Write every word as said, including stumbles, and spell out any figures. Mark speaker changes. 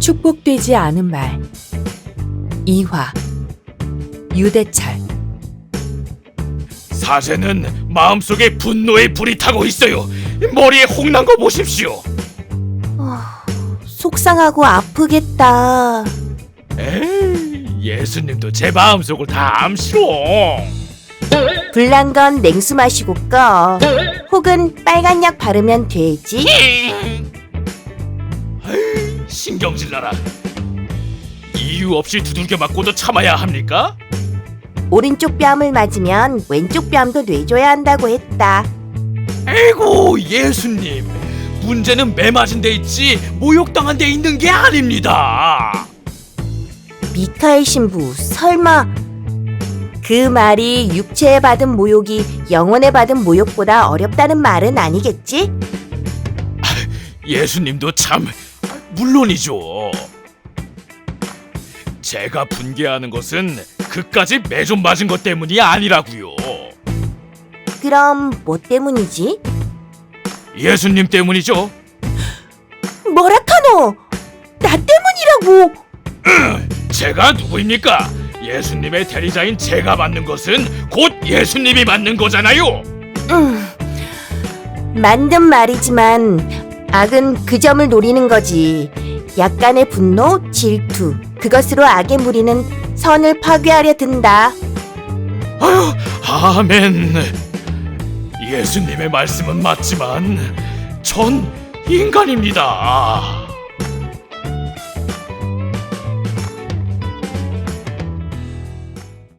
Speaker 1: 축복되지 않은 말. 이화. 유대철.
Speaker 2: 사제는 마음속에 분노의 불이 타고 있어요. 머리에 홍난 거 보십시오.
Speaker 3: 어, 속상하고 아프겠다.
Speaker 2: 에이, 예수님도 제 마음속을 다 암시로.
Speaker 3: 불난 건 냉수 마시고 꺼. 혹은 빨간 약 바르면 되지.
Speaker 2: 에이, 신경질 나라. 이유 없이 두들겨 맞고도 참아야 합니까?
Speaker 3: 오른쪽 뺨을 맞으면 왼쪽 뺨도 뇌줘야 한다고 했다.
Speaker 2: 에이고, 예수님, 문제는 매 맞은 데 있지 모욕당한 데 있는 게 아닙니다.
Speaker 3: 미카엘 신부, 설마 그 말이 육체에 받은 모욕이 영혼에 받은 모욕보다 어렵다는 말은 아니겠지?
Speaker 2: 예수님도 참 물론이죠. 제가 분개하는 것은 그까지 매좀 맞은 것 때문이 아니라고요.
Speaker 3: 그럼 뭐 때문이지?
Speaker 2: 예수님 때문이죠.
Speaker 3: 뭐라카노? 나 때문이라고!
Speaker 2: 제가 누구입니까? 예수님의 대리자인 제가 맞는 것은 곧 예수님이 맞는 거잖아요.
Speaker 3: 음, 맞는 말이지만 악은 그 점을 노리는 거지. 약간의 분노, 질투, 그것으로 악의 무리는 선을 파괴하려 든다.
Speaker 2: 아유, 아멘. 예수님의 말씀은 맞지만 전 인간입니다.